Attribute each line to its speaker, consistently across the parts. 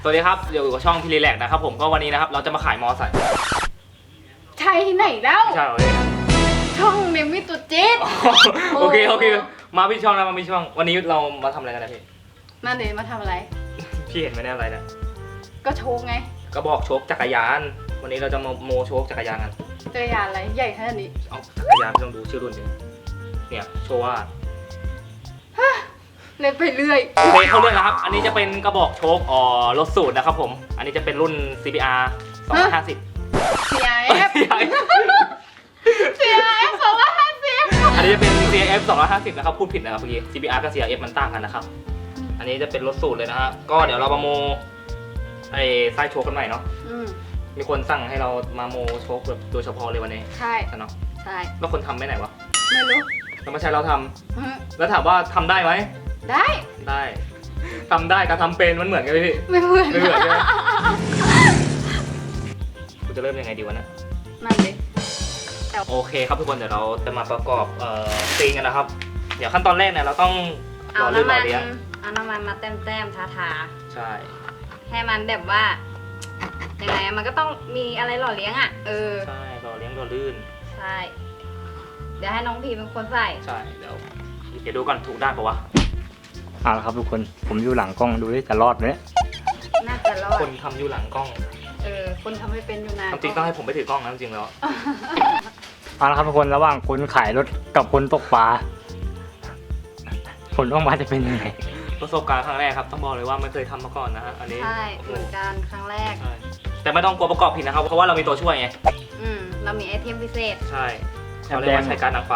Speaker 1: สวัสดีครับเดี๋ยวอยู่กับช่องพีรีแลกนะครับผมก็วันนี้นะครับเราจะมาขายมอไซค์
Speaker 2: ใช่ที่ไหนแล้ว
Speaker 1: ใช่เลย
Speaker 2: ช่องเนมิตุจิต
Speaker 1: โอเคมาพี่ช่องนะมาพี่ช่องวันนี้เรามาทำอะไรกันนะพี่
Speaker 2: นั่นเดี๋ยวมาทำอะไร
Speaker 1: พี่เห็นไหมเนี่ยอะไรนะ
Speaker 2: ก็โชว์ไง
Speaker 1: กระบอกโชคจักรยาน วันนี้เราจะมาโมโชคจักรยานกัน
Speaker 2: จักรยานอะไรใหญ่ขนาดนี้
Speaker 1: เอาจักรยานพี่ต้องดูชื่อรุ่นดิเนี่ยโชว์ว่า
Speaker 2: เล่นไปเรื่อย
Speaker 1: โอเคเขาเรียกนะครับอันนี้จะเป็นกระบอกโชครถสูตรนะครับผมอันนี้จะเป็นรุ่น CBR 250
Speaker 2: CIF CIF 250
Speaker 1: อันนี้จะเป็น CF 250นะครับพูดผิดนะครับเมื่อกี้ CBR กับ CF มันต่างกันนะครับอันนี้จะเป็นรถสูตรเลยนะฮะก็เดี๋ยวเรามาโมไอ้ไส้โชคกันใหม่เนาะมีคนสั่งให้เรามาโมโชคแบบโดยเฉพาะเลยวันนี้
Speaker 2: ใช่
Speaker 1: เนาะ
Speaker 2: ใช่
Speaker 1: แล้วคนทำไปไหนวะ
Speaker 2: ไม่รู้
Speaker 1: แล้วมาใช้เราทำแล้วถามว่าทำได้ไหม
Speaker 2: ได้
Speaker 1: ได้ทำได้กับทำเป็นมันเหมือนกันไหมพี่
Speaker 2: ไม่เหมือน
Speaker 1: ไม่เหมือนใช่ไหมคุณจะเริ่มยังไงดีวะเนี่ย
Speaker 2: นั่นเลย
Speaker 1: โอเคครับทุกคนเดี๋ยวเราจะมาประกอบซีนกันนะครับเดี๋ยวขั้นตอนแรกเนี่ยเราต้องร
Speaker 2: เอา
Speaker 1: อลื่น
Speaker 2: น้ำ
Speaker 1: ร
Speaker 2: มั
Speaker 1: อน เลี้ยง
Speaker 2: เอาน้ำมันมาแต้มๆทา
Speaker 1: ใช่
Speaker 2: ๆให้มันแบบว่ายังไงมันก็ต้องมีอะไรหล่อเลี้ยงอ่ะ
Speaker 1: ใช่รอเลี้ยงรอลื่น
Speaker 2: ใช่เดี๋ยวให้น้องพีเป็นคนใส่
Speaker 1: ใช่เดี๋ยวดูก่อนถูกด้านปะวะ
Speaker 3: เอาละครับทุกคนผมอยู่หลังกล้องดูดิจะรอดไหม
Speaker 2: น่าจะรอด
Speaker 1: คนทำอยู่หลังกล้อง
Speaker 2: คนทำไม่เป็นอยู่นาน
Speaker 1: จริงๆต้องให้ผมไปถือกล้องนะจริงๆแล้ว
Speaker 3: เอาละครับทุกคนระหว่างคนขายรถกับคนตกปลาผลออกมาจะเป็นยังไง
Speaker 1: ประสบการณ์ครั้งแรกครับต้องบอกเลยว่าไม่เคยทำมาก่อนนะฮะอันนี้
Speaker 2: ใช่เหมือนกันครั้งแรก
Speaker 1: ใช่แต่ไม่ต้องกลัวประกอบผิดนะครับเพราะว่าเรามีตัวช่วยไง
Speaker 2: เรามีไอเทมพิเศษ
Speaker 1: ใช่เขาเรียกว่าใช้การนางฟ้า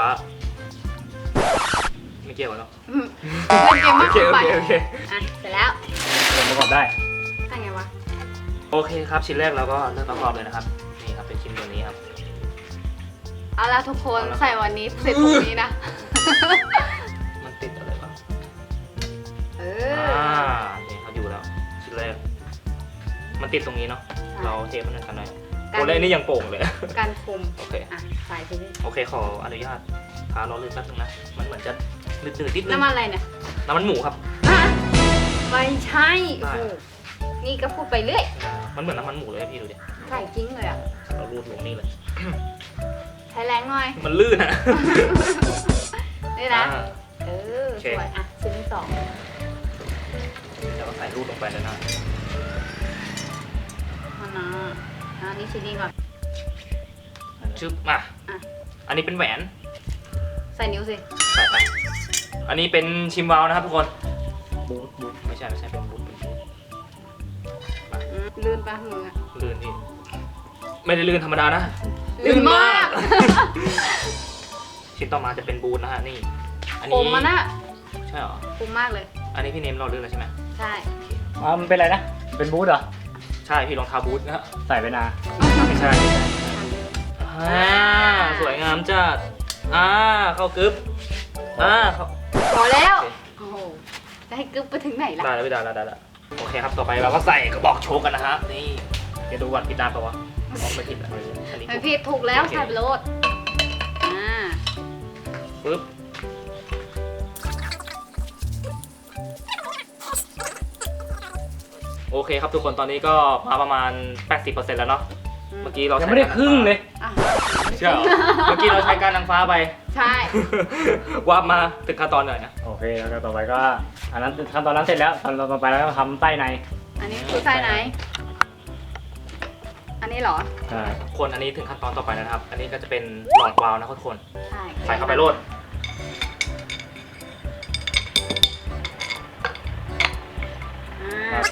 Speaker 1: ไม่เกี่ยวกันเนาะ
Speaker 2: เล่นเกมมาก
Speaker 1: โอเค
Speaker 2: เกินไป
Speaker 1: โอเค
Speaker 2: อ่ะเสร็จแล้ว
Speaker 3: ผมประกอบได้
Speaker 2: ทำไงวะ
Speaker 1: โอเคครับชิ้นแรกเราก็เริ่มประกอบเลยนะครับนี่ครับเป็นชิ้นตัวนี้ครับ
Speaker 2: เอาละทุกคน
Speaker 1: เอาละ
Speaker 2: ใส่วันนี้เสร็จพรุ่งนี้นะ
Speaker 1: มันติดอะไรบ้าง
Speaker 2: เอ
Speaker 1: นี่เขาอยู่แล้วชิ้นแรกมันติดตรงนี้เนาะเราเทปมันกันหน่อย
Speaker 2: กั
Speaker 1: ตัวแรกนี่ยังโป่งเลย
Speaker 2: การคม
Speaker 1: โอเค
Speaker 2: อ่ะใส่ไปดิ
Speaker 1: โอเคขออนุญาตทาล้อลื่นแป๊บนึงนะมันเหมือนจะหนืดๆนิดนึง
Speaker 2: น้ำมันอะไรเนี่ย
Speaker 1: น้ำมันหมูครับ
Speaker 2: อ่ะไม่ใช่
Speaker 1: ได้
Speaker 2: โอ้โหนี่ก็พูดไปเรื่อย
Speaker 1: มันเหมือนน้ำมันหมูเลยพี่ดูดิ
Speaker 2: ใส่จริงเลยอ่ะ
Speaker 1: เรารูดลงนี่เลย
Speaker 2: ใช้แรงหน่อย
Speaker 1: มันลื่นอะ
Speaker 2: นี่นะ
Speaker 1: อ่า
Speaker 2: เออ
Speaker 1: โอเค
Speaker 2: สวยอ่ะชิ้นที่สอง
Speaker 1: แล้วก็ใส่รูดลงไปเลยนะ
Speaker 2: มานะอันนี้ชิ้นนี้ก่อน
Speaker 1: ชึบมา
Speaker 2: อ่ะ
Speaker 1: อันนี้เป็นแหวน
Speaker 2: ใส่นิ้วสิ
Speaker 1: ใส่ไปอันนี้เป็นชิมวาลนะครับทุกคนบูทไม่ใช่เป็นบูท
Speaker 2: ลื่นปะมืออะ
Speaker 1: ลื่นพี่ไม่ได้ลื่นธรรมดานะ
Speaker 2: ลื่นมาก
Speaker 1: ชิ้นต่อมาจะเป็นบูทนะฮะนี่อัน
Speaker 2: ค
Speaker 1: นี้
Speaker 2: มมันอะ
Speaker 1: ใช่เหรอ
Speaker 2: คมมากเลย
Speaker 1: อันนี้พี่เนมเราลื่นแล้วใช่ไหม
Speaker 2: ใช่
Speaker 3: มันเป็นอะไรนะเป็นบูธเหรอ
Speaker 1: ใช่พี่รองเท้าบูทนะฮะ
Speaker 3: ใส่ไปนา
Speaker 1: ไม่ใช่สวยงามจัดเข้ากึ๊บเข้า
Speaker 2: พอแล้ว โอ้โห จะให้กึ๊บไปถึงไหนล่ะ
Speaker 1: ได้แล้วได้แล้วโอเคครับต่อไปเราก็ใส่กระบอกโชกกันนะฮะนี่เดี๋ยวดูก่อนผิดด้านปะวะไม่ผิดอ่ะอันนี้
Speaker 2: ไม่ผิดถูกแล้วใส่ไปโลดอ่า
Speaker 1: ปึ๊บโอเคครับทุกคนตอนนี้ก็มาประมาณ 80%แล้วเนาะเมื่อกี้เรา
Speaker 3: ยังไม่ได้ครึ่งเลย
Speaker 2: อ่ะ
Speaker 1: ใช่เหรอเมื่อกี้เราใช้การนางฟ้าไป
Speaker 2: ใช่
Speaker 1: ว่ามาถึงขั้นตอนหน่อยนะ
Speaker 3: โอเคแล้วก็ต่อไปก็อันนั้นขั้นตอนนั้นเสร็จแล้วขั้นตอนต่อไปแล้วก็ทำใต้ใน
Speaker 2: อันนี้คือใส่ไหน อันนี้เหรอ
Speaker 3: ใช่
Speaker 1: คนอันนี้ถึงขั้นตอนต่อไปแล้วนะครับ อันนี้ก็จะเป็นหลอดวาล์วนะทุกคน
Speaker 2: ใช่
Speaker 1: ใส่เข้าไปโลด
Speaker 2: อ่า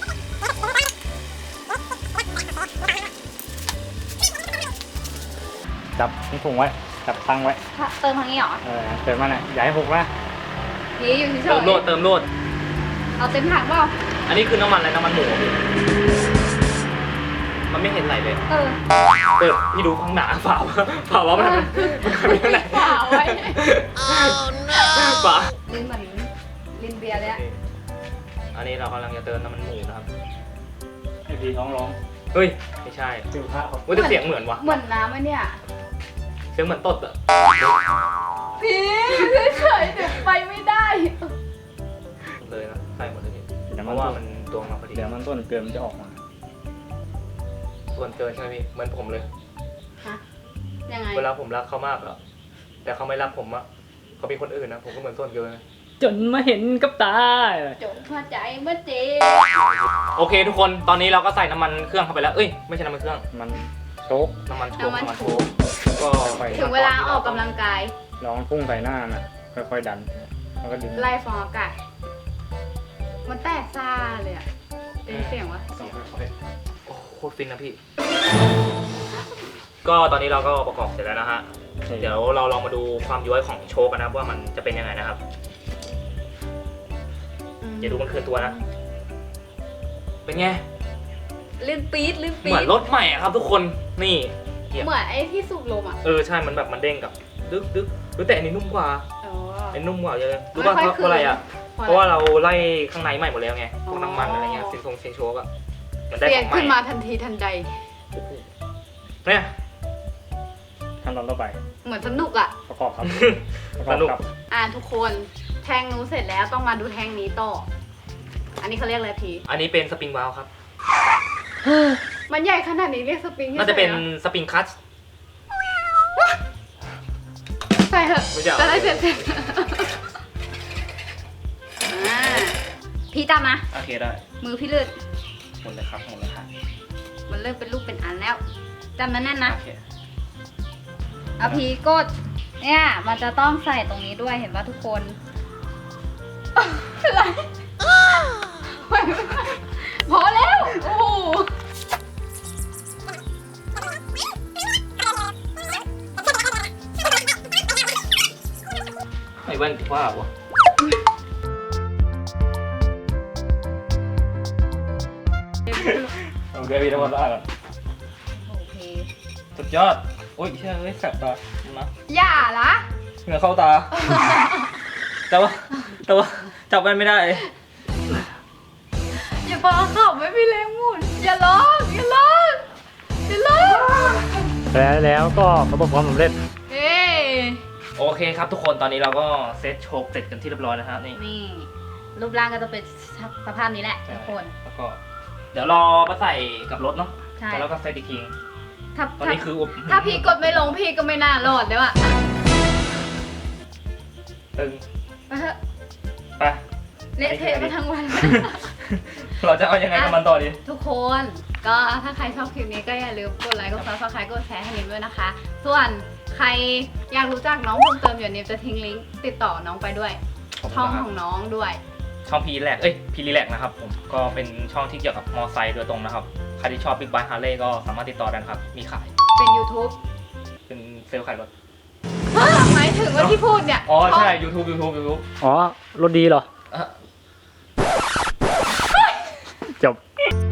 Speaker 3: จับถุงไว้จับตั้งไว้
Speaker 2: เติมทางนี้เหรอ
Speaker 3: เติมมันอ่ะอย่าให้หกนะ
Speaker 2: นี่อยู่เฉ
Speaker 1: เติมโลด
Speaker 2: ย
Speaker 1: เติมโลด
Speaker 2: ๆเอาเต็มถังเปล่า
Speaker 1: อันนี้คือน้ำมันอะไรน้ำมันหมูพี่มันไม่เห็นไหลเลย
Speaker 2: เออ
Speaker 1: พี่ดูข้างหนาเปล่าว่ามันไม่เท่าไหร่
Speaker 2: เปล่าไว้
Speaker 1: เปล่า
Speaker 2: ลิ้นเหมือนลิ้นเบียร์เลยอะ
Speaker 1: อันนี้เรากำลังจะเติมน้ำมันหมูนะครับ
Speaker 3: ไอพีท้องร้อง
Speaker 1: เฮ้ยไม่ใช่
Speaker 3: จิ๋วพระเขา
Speaker 1: ว่าจะเสียงเหมือนวะ
Speaker 2: เหมือนน้ำไหมเนี่ย
Speaker 1: เสียงเหมือนตดอะ
Speaker 2: พี่เฉยๆเดี๋ยวไปไม่ได้
Speaker 1: เลยนะใส่หมดเลยพี่
Speaker 3: น้ำ
Speaker 1: เพ
Speaker 3: มัน
Speaker 1: ราะว่ามันตัวมาพอดี
Speaker 3: เดี๋ยวมันต้นเกินมันจะออกมา
Speaker 1: ส่วนเกินใช่ไหมพี่เหมือนผมเลย
Speaker 2: ฮะยังไง
Speaker 1: เวลาผมรักเขามากแล้วแต่เขาไม่รักผมอะเขาเป็นคนอื่นนะผมก็เหมือนส่วนเกินนะ
Speaker 3: จนมาเห็นกับตา
Speaker 2: จงหัวใจเมื่อเจ๊
Speaker 1: โอเคทุกคนตอนนี้เราก็ใส่น้ำมันเครื่องเข้าไปแล้วเอ้ยไม่ใช่น้ำมันเครื่อง
Speaker 3: มันโชก
Speaker 1: น้ำมันโชกแล้วก็
Speaker 2: ถึงเวลาออกกำลังกาย
Speaker 3: ลองพุ่งใส่หน้าน่ะค่อยๆดันแล้วก็ดึง
Speaker 2: ไล่ฟองอากาศมันแตกซ่าเลยอะเป็นเสียงวะ
Speaker 1: โอ้โหโคตรฟินนะพี่ ก็ตอนนี้เราก็ประกอบเสร็จแล้วนะฮะเดี๋ยวเราลองมาดูความย้อยของโชคกันนะครับว่ามันจะเป็นยังไงนะครับอย่าดูมันคือตัวนะเป็นไง
Speaker 2: ลื่นปี๊ดลื่นปี๊
Speaker 1: เหมือ
Speaker 2: ด
Speaker 1: นรถใหม่อะครับทุกคนนี่เกียร์
Speaker 2: เหมือนไอ้ที่สูบลมอะ
Speaker 1: ใช่มันแบบมันเด้งกับดึกแต่อันนี้นุ่มกว่า
Speaker 2: อ๋อ
Speaker 1: อันนี้นุ่มกว่าเยอะรู้ป่ะ
Speaker 2: ไม่ค่อย
Speaker 1: เพราะอะไรอะ
Speaker 2: คืน
Speaker 1: เพราะว่าเราไล่ข้างในใหม่หมดแล้วไงพ
Speaker 2: อ๋
Speaker 1: ว
Speaker 2: อ
Speaker 1: กน้ำมันอะไรเงี้ยเซนโชกอะมันได้
Speaker 2: เปลี่
Speaker 1: ข
Speaker 2: ยน
Speaker 1: องใหม่
Speaker 2: ขึ้นมาทันทีทันใด
Speaker 1: เนี่ย
Speaker 3: ขั้นตอนต่อไป
Speaker 2: เหมือนสนุกอะ
Speaker 3: ประกอบครับประก
Speaker 1: ส
Speaker 3: อบ
Speaker 1: นุก
Speaker 3: ครับ
Speaker 2: ทุกคนแทงนู้นเสร็จแล้วต้องมาดูแทงนี้ต่อ อันนี้เขาเรียกอะไรพี
Speaker 1: อันนี้เป็นสปริงวาล์วครับ
Speaker 2: มันใหญ่ขนาดนี้เรียกสปริง
Speaker 1: น่าจะเป็นสปริงคัต
Speaker 2: ใส่เถอะ
Speaker 1: ไม่ใช่เหรอ
Speaker 2: จะได้เสร็จพี่จับนะ
Speaker 1: โอเคได้
Speaker 2: มือพี่เลือด
Speaker 1: หมดเลยครับหมดเลยครับ
Speaker 2: มันเริ่มเป็นรูปเป็นอันแล้วจำนั้นแน่นนะ
Speaker 1: โอเค
Speaker 2: เอาพีกดเนี่ยมันจะต้องใส่ตรงนี้ด้วยเห็นป่ะทุกคนอะไรพอแล้วโอ้โห
Speaker 1: ไอ้แว่นว่าวะ
Speaker 3: โอเคพี่ทั้งหมดแล้วก่อน
Speaker 2: โอเค
Speaker 1: สุดยอดโอ้ยเชื่อเฮ้ยแสบตานะ
Speaker 2: อย่าละ
Speaker 1: เหงื่อเข้าตา แต่ว่าจับแว่นไม่ได้
Speaker 2: อย่าปาขับไม่มีแรงหมุนอย่าร้องอย่าร้องอย่าร้อง
Speaker 3: แล้วก็ประสบความสำเร็จ
Speaker 2: เฮ้ย
Speaker 1: โอเคครับทุกคนตอนนี้เราก็เซตโชกเสร็จกันที่เรียบร้อยนะฮะนี่
Speaker 2: นี่รูปร่างก็จะเป็นสภาพนี้แหละทุกคน
Speaker 1: แล้วก็เดี๋ยวรอมาใส่กับรถเนาะ
Speaker 2: ใช่
Speaker 1: แล้วก็ใส่อีกที
Speaker 2: ถ้า
Speaker 1: ตอนนี้คือ
Speaker 2: ถ้าพี่กดไม่ลงพี่ก็ไม่น่ารอดเลยว่ะ
Speaker 1: ตึง
Speaker 2: ไปเถอะ
Speaker 1: ไป
Speaker 2: เละเทะมาทั้งวัน
Speaker 1: เราจะเอายังไงกับมันต่อดี
Speaker 2: ทุกคนก็ถ้าใครชอบคลิปนี้ก็อย่าลืมกดไลค์กดซับสไครต์กดแชร์ให้นิมด้วยนะคะ ส่วนใครอยากรู้จักน้องเพิ่มเติมเดี๋ยวนิมจะทิ้งลิงก์ติดต่อน้องไปด้วย ช่องของน้องด้วย
Speaker 1: ช่องพีแลกพีรีแลกนะครับผมก็เป็นช่องที่เกี่ยวกับมอไซค์โดยตรงนะครับใครที่ชอบบิ๊กไบค์ฮาร์เลย์ก็สามารถติดต่อได้นะครับมีขาย
Speaker 2: เป็น YouTube
Speaker 1: เป็นเซลล์ขายรถ
Speaker 2: หมายถึงว่าที่พูดเนี่ย
Speaker 1: อ๋อใช่
Speaker 2: ช่อง
Speaker 1: YouTube
Speaker 3: อ๋อรถดีเหรอ
Speaker 1: อ่ะ
Speaker 3: จบ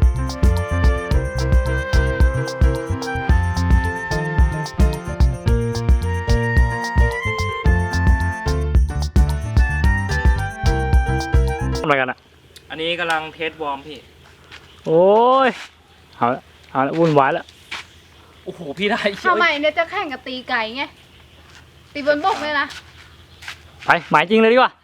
Speaker 3: ทำอะไรกันอ่ะ
Speaker 1: อันนี้กำลังเทสวอร์มพี่
Speaker 3: โอ้ยเอาละวุ่นวายแล้ว
Speaker 1: โอ้โหพี่ได้เชีย
Speaker 2: ทำ
Speaker 1: ว
Speaker 2: ไมเนี่ยจะแข่งกับตีไก่ไงตีบนบกเลยนะ
Speaker 3: ไปหมายจริงเลยดีกว่า